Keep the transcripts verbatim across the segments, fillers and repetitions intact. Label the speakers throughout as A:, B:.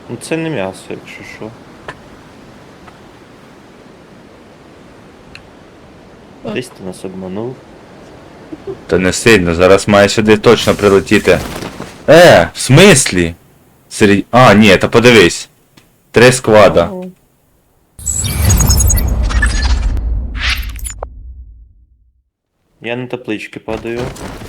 A: Ну це не м'ясо, якщо що.
B: От.
A: Десь ти нас обманув.
C: Та не сильно, зараз має сюди точно прилетіти. Е, в смислі? Серед... А, ні, та подивись. Три сквада.
A: Ну, я на таблички падаю.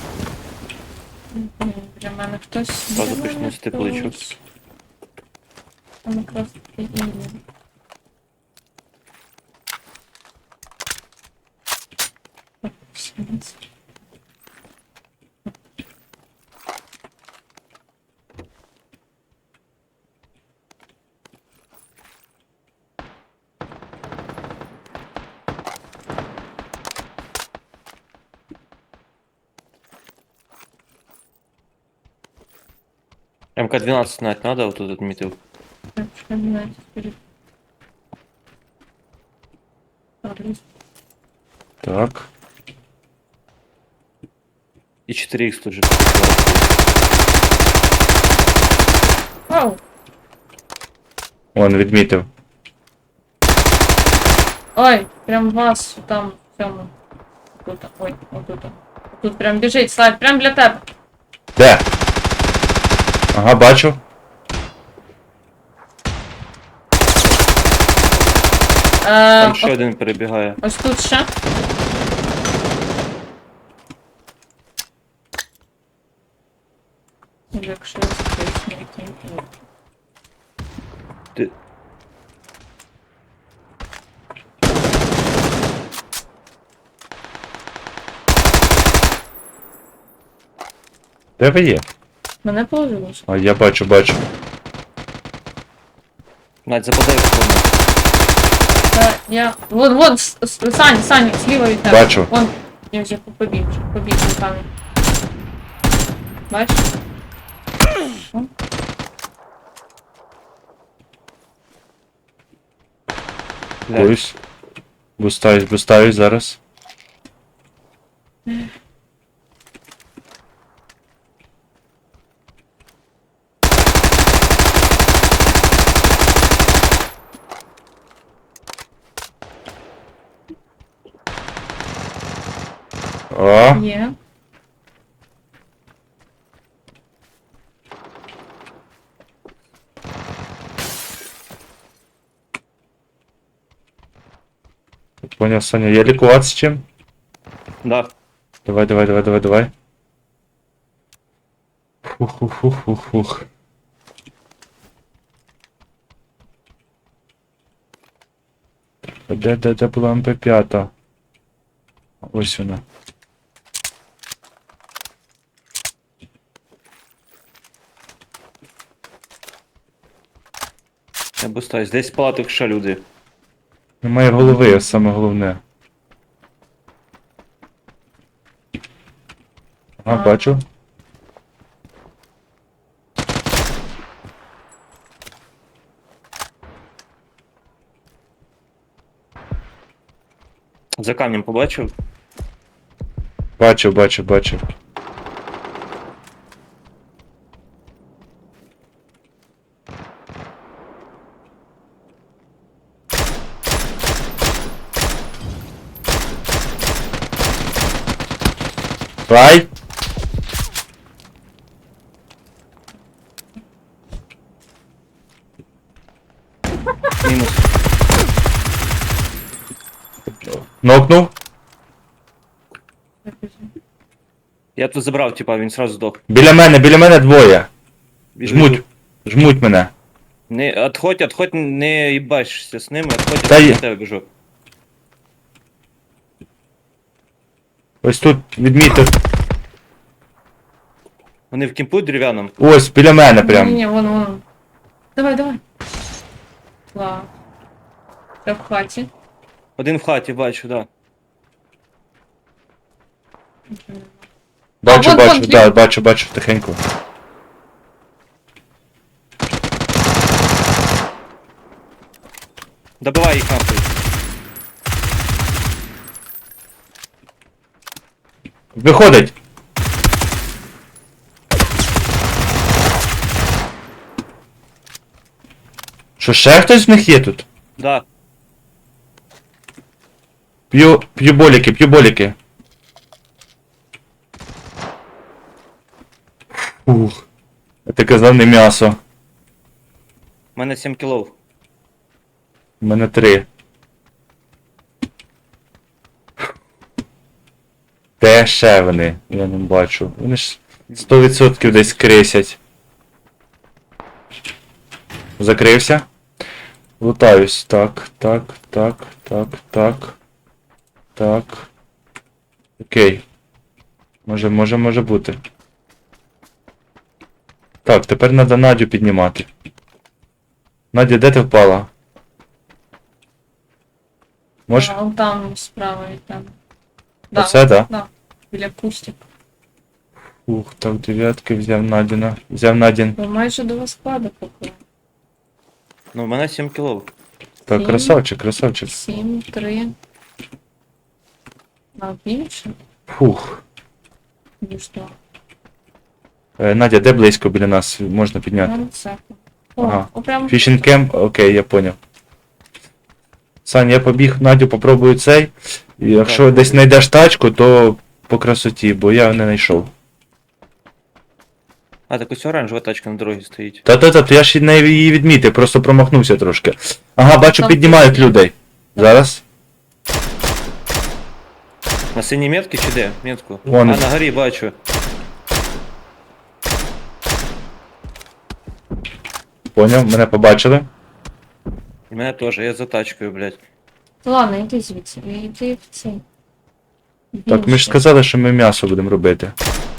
B: М, Для мене хтось.
A: Зразу
B: Для
A: почну
B: мене
A: з табличок.
B: хтось. Там якраз таки і є. Так, сімнадцять.
A: ем ка двенадцать знать надо, вот тут отметил.
B: Так, семнадцать перед. Ладно.
C: Так.
A: И четыре икс тут же.
B: Вау!
C: Вон, відмітив.
B: Ой, прям вас там в цьому. Тут, ой, отут. Тут прям біжить, Слайд, прям для тебе.
C: Де? Ага, бачу.
B: Е,
A: Там ще один перебігає.
B: ось тут ще. Якщо скрізь який.
A: Ти...
C: Де ви є?
B: Мене положило.
C: А, я бачу, бачу.
A: Надь, западай в кому.
B: Та я. Вон, вон, с- с- Саня, Саня, зліва від тебе.
C: Бачу.
B: Вон, я вже побіг, вже побіг за камінь. Бачиш? Вон.
A: Блядь.
C: Боюсь. Бустаюсь, бустаюсь зараз. О,
B: Є.
C: поняв, Саня, я лікуватися чим?
A: Да.
C: Давай, давай, давай, давай, давай. Фух-фух-фух-фух-фух. Де, де, де була ем пе п'ять? Ось вона.
A: Я бустаюсь. Десь палаток ще люди.
C: Немає голови, саме головне. Ага,
B: А.
C: бачу.
A: За камнем побачив.
C: Бачив, бачив, бачив. Рай!
A: Мінус.
C: Нокнув.
A: Я тут забрав, типа, він сразу здох.
C: Біля мене, біля мене двоє.
A: Біжу,
C: Жмуть.
A: біжу.
C: Жмуть мене.
A: Не, отходь, отходь, не їбашся з ними, отходь,
C: Та
A: я
C: є.
A: до тебе біжу.
C: Ось тут відмітив.
A: Вони в кімпу дерев'яному.
C: Ось, біля мене
B: Ні,
C: прям.
B: ні, вон, вон. Давай, давай. Ла. Це в хаті.
A: Один в хаті, бачу, да.
C: Бачу,
B: А, вон,
C: бачу,
B: вон,
C: да,
B: ліво.
C: бачу, бачу, тихенько.
A: Добивай їх нахуй.
C: Виходить! Що, ще хтось з них є тут?
A: Да.
C: П'ю, п'ю боліки, п'ю боліки. Ух. Я ти казав не м'ясо.
A: У мене сім кілов.
C: У мене три. Де ще вони? Я не бачу. Вони ж сто відсотків десь крисять. Закрився. Лутаюсь. Так, так, так, так, так. Так. Окей. Може, може, може бути. Так, тепер треба Надю піднімати. Надя, де ти впала? Може?
B: А, он там справа від там. Да,
C: Оце, да?
B: да. Біля кустик.
C: Ух, так, дев'ятки взяв Надіна. Взяв Надін.
B: Ви майже до вас складу поки.
A: Ну, у мене сім кілов.
C: Так,
B: Сім.
C: красавчик, красавчик.
B: Сім, три. А більше?
C: Фух.
B: Ніж два.
C: Е, Надя, де близько біля нас можна підняти?
B: Ну, це. О,
C: Ага.
B: о, прям
C: Фішінг кемп? Окей, я поняв. Сань, я побіг, Надю попробую цей. І якщо
A: Так.
C: десь знайдеш тачку, то по красоті, бо я не знайшов.
A: А, так ось оранжева тачка на дорозі стоїть.
C: Та-та-та, то я ж не її відмітив, просто промахнувся трошки. Ага, бачу,
B: Там
C: піднімають
B: тут є.
C: людей. Зараз.
A: На синій метці чи де? Метку.
C: Вон.
A: А, на горі бачу.
C: Поняв, мене побачили.
A: І мене теж, я за тачкою, блядь.
B: Ладно, йди звідси. Йди в цей.
C: Так, ми ж
B: Більше.
C: сказали, що ми м'ясо будемо робити.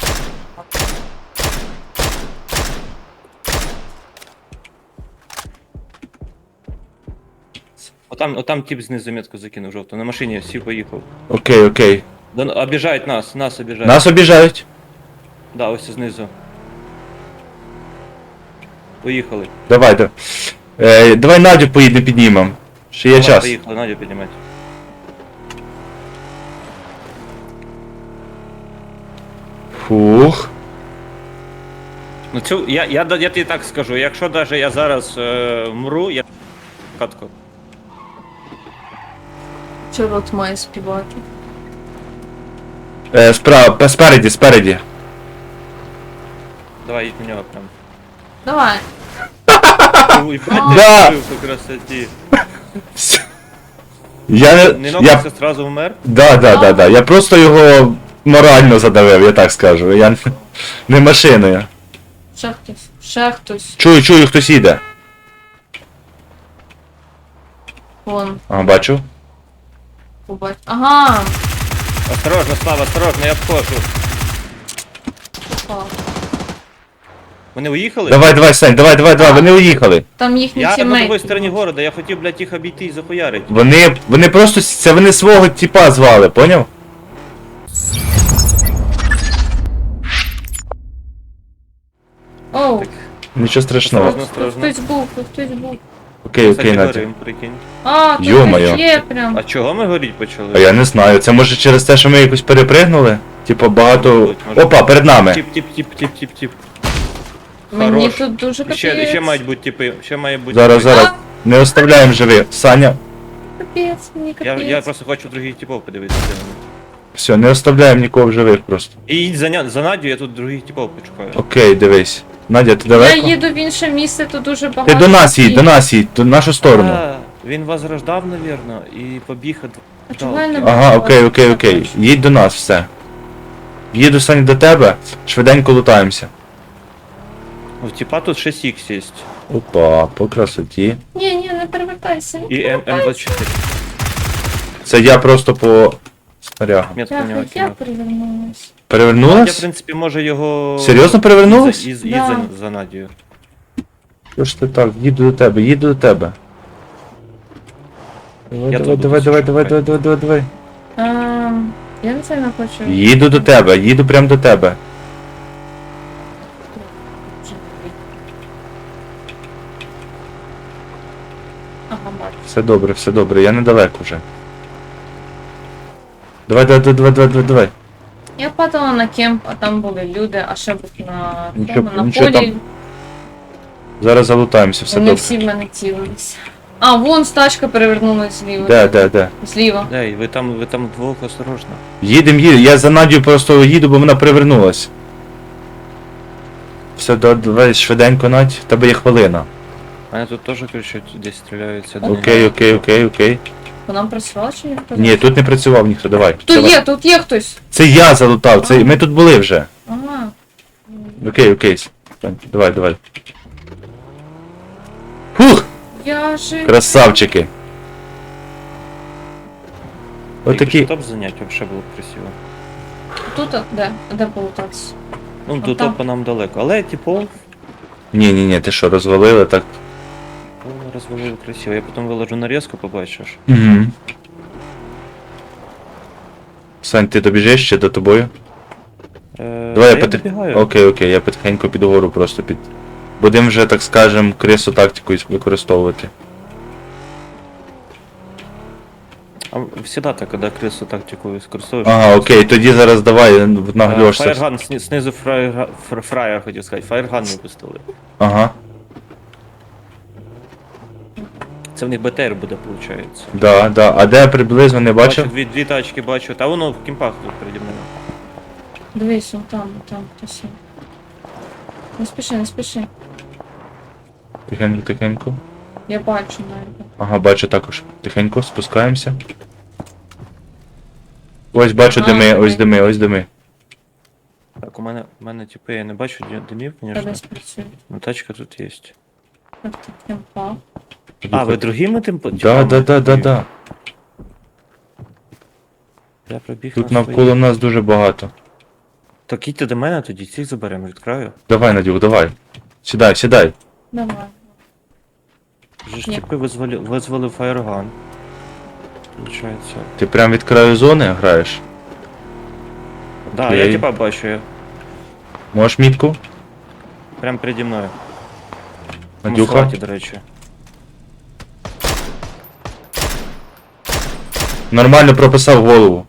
A: Отам, отам тип знизу метку закинув жовту. На машині всі поїхав.
C: Окей, окей.
A: Да, ну, обіжають нас, нас обіжають.
C: Нас обіжають.
A: Да, ось знизу. Поїхали.
C: Давай, да. Е, давай Надю поїдемо піднімемо. Ще є
A: Давай,
C: час.
A: Поїхали, Надю піднімати.
C: Фух.
A: Ну цю, я, я, я, я тобі так скажу, якщо навіть я зараз е, мру, я катку.
B: Чи рот має співати?
C: Е, справа, спереді, спереді.
A: Давай, їдь на нього прям.
B: Давай.
A: Ой,
B: Да.
A: блядь, я по красоті.
C: Я
A: Не
C: не. Я...
A: нокнувся, сразу вмер.
C: Да, да, да, да. Я просто його морально задавив, я так скажу. Я не- не машиною.
B: Ще хтось. Ще хтось.
C: Чую, чую, хтось їде.
B: Вон.
C: Ага, бачу.
B: Побач. Ага.
A: Осторожно, Слава, осторожно, я обхожу.
B: Попав.
A: Вони уїхали?
C: Давай, давай, Сань, давай, давай, давай, вони уїхали.
B: Там їхні
A: Я на
B: тімейти.
A: другій стороні города, я хотів, блядь, їх обійти і захуярити.
C: Вони. Вони просто. Це вони свого типа звали, поняв?
B: Оу.
C: Нічого страшного.
A: Осторожно.
B: Тут хтось був, тут хтось був.
C: Окей,
A: Кстати,
C: окей, Надя.
A: горим, прикинь.
B: А, тут
C: Йо-моє.
B: є прям.
A: А чого ми горіть почали?
C: А я не знаю, це може через те, що ми якось перепригнули? Типа багато.
A: Може бути, може
C: Опа, перед нами.
A: Тип, тип, тип, тип, тип, тип.
B: Мені
A: Хорош.
B: тут дуже капець.
A: Ще, ще мають бути типи, ще має бути.
C: Зараз,
A: типи.
C: зараз. Не оставляємо живих. Саня.
B: Капець, мені
A: Я,
B: капець.
A: я просто хочу других типов подивитися.
C: Все, не оставляємо нікого в живих просто.
A: І їдь за, ня- за Надю, я тут других типов почекаю.
C: Окей, дивись. Надя, ти
B: Я
C: далеко?
B: їду в інше місце, тут дуже багато.
C: Ти до нас їдь, до нас їдь, до нашу сторону.
A: А, він возрождав, навірно, і побіг від...
B: А чого я не
C: Ага,
B: бачу
C: окей,
B: вас?
C: окей, окей. Їдь до нас, все. Їду, Саня, до тебе, швиденько лутаємося.
A: Ну, типа тут шість ікс є.
C: Опа, по красоті.
B: Ні, ні, не перевертайся.
A: І М двадцять чотири.
C: Це я просто по снарягам.
A: Метку на нього
B: Я, я
A: кинув.
B: перевернулась.
A: Я, в
C: Перевернулась?
A: принципі, може його...
C: Серйозно перевернулась?
A: Із, із, із
B: Да.
A: за, за Надію.
C: Що ж ти так, їду до тебе, їду до тебе. Давай,
A: Я
C: давай,
A: тут
C: давай,
A: буду
C: давай,
A: шукати.
C: давай, давай, давай, давай, давай.
B: Ем, я не сильно хочу.
C: Їду до тебе, їду прям до тебе.
B: Ага, бачу.
C: Все добре, все добре, я недалеко вже. Давай, давай, давай, давай, давай, давай.
B: Я падала на кемп, а там були люди, а ще був на,
C: Нічого-
B: тому, на
C: нічого
B: полі.
C: там. Зараз залутаємося, все
B: Вони
C: добре.
B: всі в мене цілились. А, вон стачка перевернулась зліва.
C: Де, де, де?
B: Зліва.
A: Дай, ви там, ви там вдвох осторожно.
C: Їдем, їдем. Я за Надю просто їду, бо вона привернулась. Все, да- давай швиденько, Надь, в тебе є хвилина.
A: Мене тут теж кричать, десь стріляються.
C: Окей, окей, окей, окей.
B: По нам працювала чи ні?
C: Ні, тут не працював ніхто, давай.
B: Тут
C: давай.
B: є, тут є хтось.
C: Це я залутав, це... ми тут були вже.
B: Ага.
C: Окей, окей. Стань, давай, давай. Фух!
B: Я же...
C: Красавчики. Отакі.
A: Топ занять вообще було б красиво.
B: Тут, а, де? Де полутатися?
A: Ну,
B: А
A: до
B: там?
A: топа нам далеко. Але, типу,
C: Ні, ні, ні, ти що, розвалили так?
A: розвалили красиво. Я потім виложу нарізку, побачиш.
C: Угу. Сань, ти добіжиш ще до тобою?
A: Е,
C: Давай я
A: та
C: потих...
A: добігаю.
C: Окей, окей, я потихеньку піду гору просто під. Будемо вже, так скажем, крису тактику іс- використовувати.
A: А всегда так, коли крису тактику використовуєш.
C: Ага, окей, тоді зараз давай нагльошся.
A: Фаєрган, сни- знизу фраєр, фр- фраєр хотів сказати. Фаєрган випустили.
C: Ага,
A: Це в них БТР буде, виходить.
C: да, да. А де приблизно не
A: Бачу,
C: бачив?
A: дві, дві тачки бачу. Та воно в кімпах тут переді мною.
B: Дивись, он там, там хтось є. Не спіши, не спіши.
C: Тихенько, тихенько.
B: Я бачу навіть.
C: Ага, бачу також. Тихенько, спускаємося. Ось бачу
B: А,
C: дими,
B: окей.
C: ось дими, ось дими.
A: Так, у мене, у мене типу, я не бачу ді- димів,
B: Та
A: звісно.
B: десь працює.
A: Ну тачка тут є.
B: Так, так, я впав.
A: А, ви другими тим по-
C: Да,
A: типами
C: да, да, да,
A: пробіг?
C: да.
A: Я пробіг
C: Тут
A: на
C: навколо
A: свої.
C: нас дуже багато.
A: Так їдьте до мене, тоді цих заберемо від краю.
C: Давай, Надюх, давай. Сідай, сідай.
B: Давай.
A: Вже ж
B: Ні.
A: типи визвали, визвали фаєрган. Получається.
C: Ти прям від краю зони граєш?
A: Да,
C: Окей.
A: я типа бачу, я
C: Можеш мітку?
A: прям переді мною. На
C: Надюха?
A: асфальті, до речі.
C: Нормально прописав голову.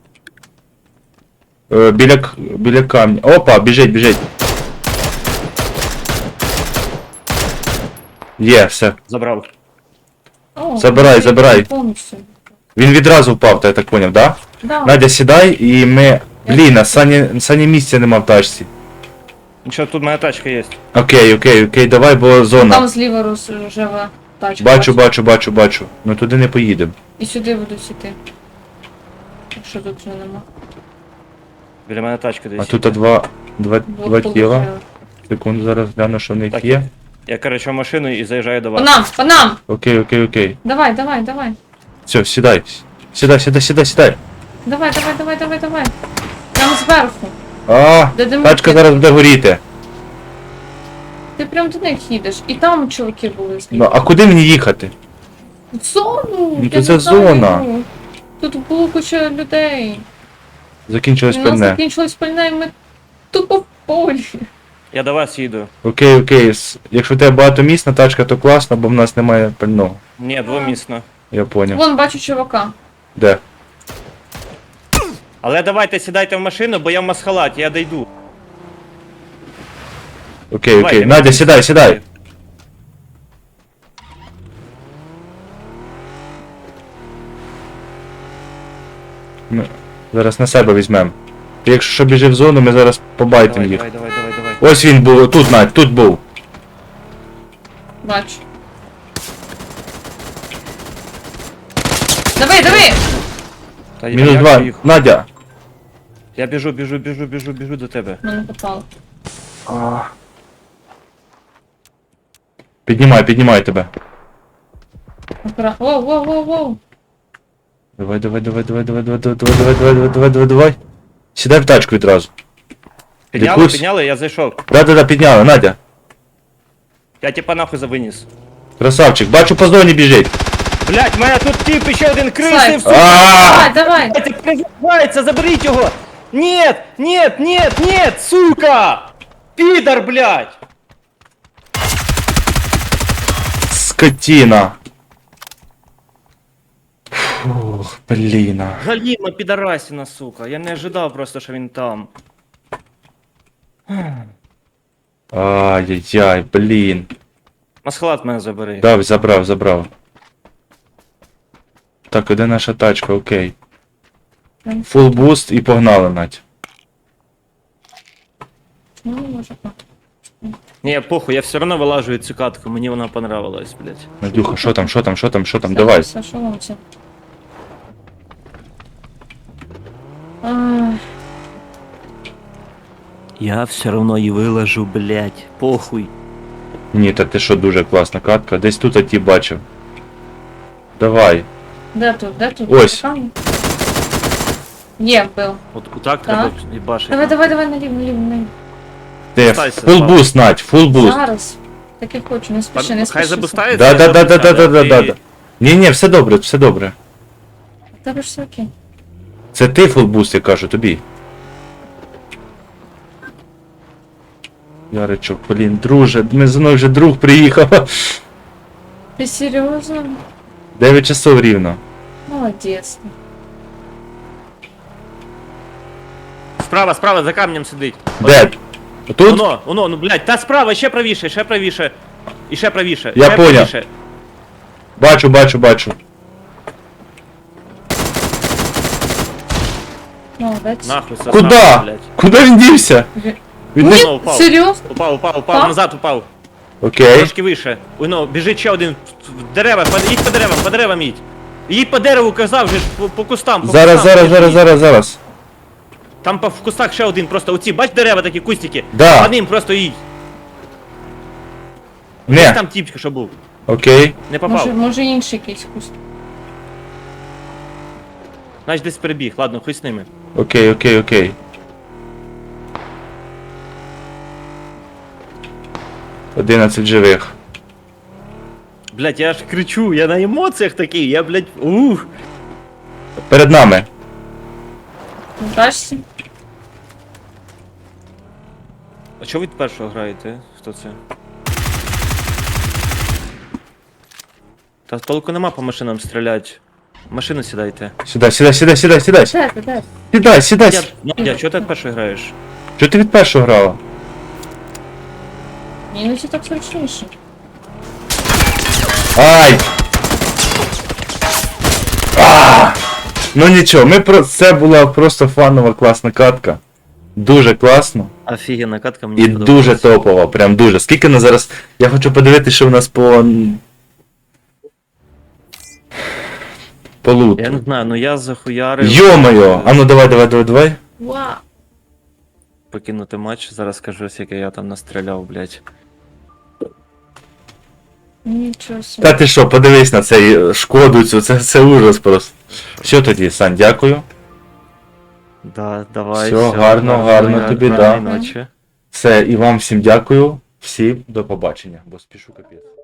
C: Е, біля, к- біля камня. Опа, біжить, біжить. Є, все.
A: Забрав.
B: О,
C: Забирай,
B: я
C: забирай.
B: Повністю.
C: Він відразу впав, я так поняв, да?
B: Да.
C: Надя, сідай і ми. Блін, а Сані, Сані місця нема в тачці.
A: Нічого, тут моя тачка є.
C: Окей, окей, окей, давай, бо зона.
B: Там зліва рожева тачка.
C: Бачу, бачу, бачу, бачу. Ну туди не поїдемо.
B: І сюди будуть іти. Якщо тут вже нема.
A: Біля мене тачка десь.
C: А тут два, два,
B: Двох
C: два тіла.
B: положили.
C: Секунду, зараз гляну, що в них
A: Так.
C: є.
A: Я, короче, в машину і заїжджаю до
B: По
A: вас.
B: нам, по нам!
C: Окей, окей, окей.
B: Давай, давай, давай.
C: Все, сідай. Сідай, сідай, сідай, сідай.
B: Давай, давай, давай, давай, давай. Прямо зверху.
C: А,
B: Де димки?
C: тачка зараз буде горіти.
B: Ти прям до них їдеш. І там чуваки були
C: Ну,
B: зліва.
C: а куди мені їхати?
B: В зону!
C: Ну,
B: я
C: то
B: не
C: це
B: знаю.
C: зона.
B: Тут було куча людей.
C: Закінчилось
B: У нас
C: пальне.
B: закінчилось пальне, і ми тупо в полі.
A: Я до вас їду.
C: Окей, окей. с- Якщо в тебе багатомісна тачка, то класно, бо в нас немає пального.
A: Ні, двомісно.
C: Я поняв.
B: Вон бачу чувака.
C: Де?
A: Але давайте сідайте в машину, бо я в масхалаті, я дойду.
C: Окей,
A: Давай,
C: окей.
A: я
C: Надя,
A: можу
C: сідай, сідай. Ми зараз на себе візьмемо. Ти якщо що біжи в зону, ми зараз побайтимо
A: Давай,
C: їх.
A: давай, давай, давай, давай.
C: Ось він був, тут, Надь, тут був.
B: Бачу. Давай, давай!
A: Та я-
C: Мінус
A: як
C: два.
A: же їх?
C: Надя.
A: Я біжу, біжу, біжу, біжу, біжу до тебе.
B: Мене попало.
C: Піднімай, піднімай тебе.
B: Акура... Воу, воу, воу, воу.
C: Давай, давай, давай, давай, давай, давай, давай, давай, давай, давай, давай, давай, давай. Сідай в тачку відразу.
A: Підняли,
C: Якусь?
A: підняли, я зайшов.
C: Да-да-да, підняла, Надя.
A: Я типа нахуй завиніс.
C: Красавчик, бачу по зоні біжить.
A: Блять, в мене тут тип ще один крисний,
B: Слайд.
A: сука!
B: Давай, давай!
A: Блядь, призивається, заберіть його! Нет, нет, нет, нет, сука! Підар, блядь!
C: Скотина. Фух, блін.
A: Галіма підарасіна, сука. Я не ожидав просто, що він там.
C: Ай-яй-яй, блін.
A: Масхалат мене забери.
C: Дав, забрав, забрав. Так, іде наша тачка, окей. Фул буст і погнали, Надь.
B: Ну, може, так.
A: Ні, похуй, я все одно вилажую цю катку, мені вона понравилась, блядь.
C: Надюха, що там, що там, що там, що там, давай.
B: Все, що вам це? Ах,
A: Я все одно її вилажу, блядь. Похуй.
C: Ні, та ти що, дуже класна катка. Десь тут я ті бачив. Давай.
B: Де тут, де тут?
C: Ось.
B: Там? Є, був.
A: От так треба їбашити.
B: Давай, давай, давай, наліво, наліво, наліво.
C: Ти
A: Стайся,
C: фул
A: Слава.
C: буст, Надь, фул буст.
B: Зараз. Так і хочу, не спіши, не спіши.
A: Хай забустається.
C: Да, да, да, да, да, да, да, да,
A: Ти-
C: да. Ні, ні, все добре, все добре.
B: У тебе ж все окей.
C: Це ти фул буст, я кажу, тобі. Яричок, блін, друже, ми за мною вже друг приїхав.
B: Ти серйозно?
C: дев'ять часов рівно.
B: Молодець.
A: Справа, справа, за камнем сидить.
C: Де? Тут?
A: Воно, воно, ну блядь, та справа, ще правіше, ще правіше. І ще правіше.
C: Я
A: ще
C: поняв.
A: правіше.
C: Бачу, бачу, бачу.
B: Молодець.
A: Нахуй, сосна,
C: Куда?
A: блядь.
C: Куди він дівся?
B: Ви-
C: Він
A: Ні.
C: не...
A: Упав, упав.
B: Серйозно?
A: Упав, упав, упав,
B: Впав?
A: назад упав.
C: Окей.
A: Трошки вище. Воно, біжить ще один. В дерева, по- їдь по деревам, по деревам їдь. Їдь по дереву, казав же, по, по кустам. По
C: Зараз,
A: кустам,
C: зараз,
A: біжи,
C: зараз,
A: їдь.
C: зараз, зараз.
A: Там по, в кустах ще один, просто оці, бач дерева такі, кустики.
C: Да.
A: По ним просто їдь. Ось
C: Не,
A: там тіпчик, що був.
C: окей.
A: Не попав.
B: Може, може інший якийсь куст.
A: Значить десь перебіг, ладно, хуй з ними.
C: Окей, окей, окей. Одинадцять живих.
A: Блять, я ж кричу, я на емоціях такий, я, блять, ух.
C: Перед нами.
B: Бачите?
A: А чого ви першого граєте? Хто це? Та толку нема по машинам стріляти. В машину сідайте.
C: Сідай, сідай, сідай, сідай, сідай.
B: Де ти, де?
C: Сідай, сідай.
A: Я, Надя, чого ти перший граєш?
C: Чого ти від першого грала?
B: Ні, ну це так зручніше.
C: Ай! А! Ну нічого, ми про це була просто фанова класна катка. Дуже класно.
A: Офігенна катка, мені
C: І
A: подобається.
C: дуже топова, прям дуже. Скільки на зараз. Я хочу подивитися, що в нас по. По луту.
A: Я не знаю, ну я захуярив.
C: Йо-моє! А ну давай, давай, давай, давай.
B: Вау!
A: Покинути матч, зараз скажу, скільки я там настріляв, блять.
B: Нічого собі.
C: Та ти що, подивись на цей шкоду цю, це, це ужас просто. Що тоді, Сань, дякую.
A: Да, давай.
C: Всьо, гарно, гарно тобі, да.
A: Ночі.
C: Все, і вам всім дякую. Всім до побачення, бо спішу капець.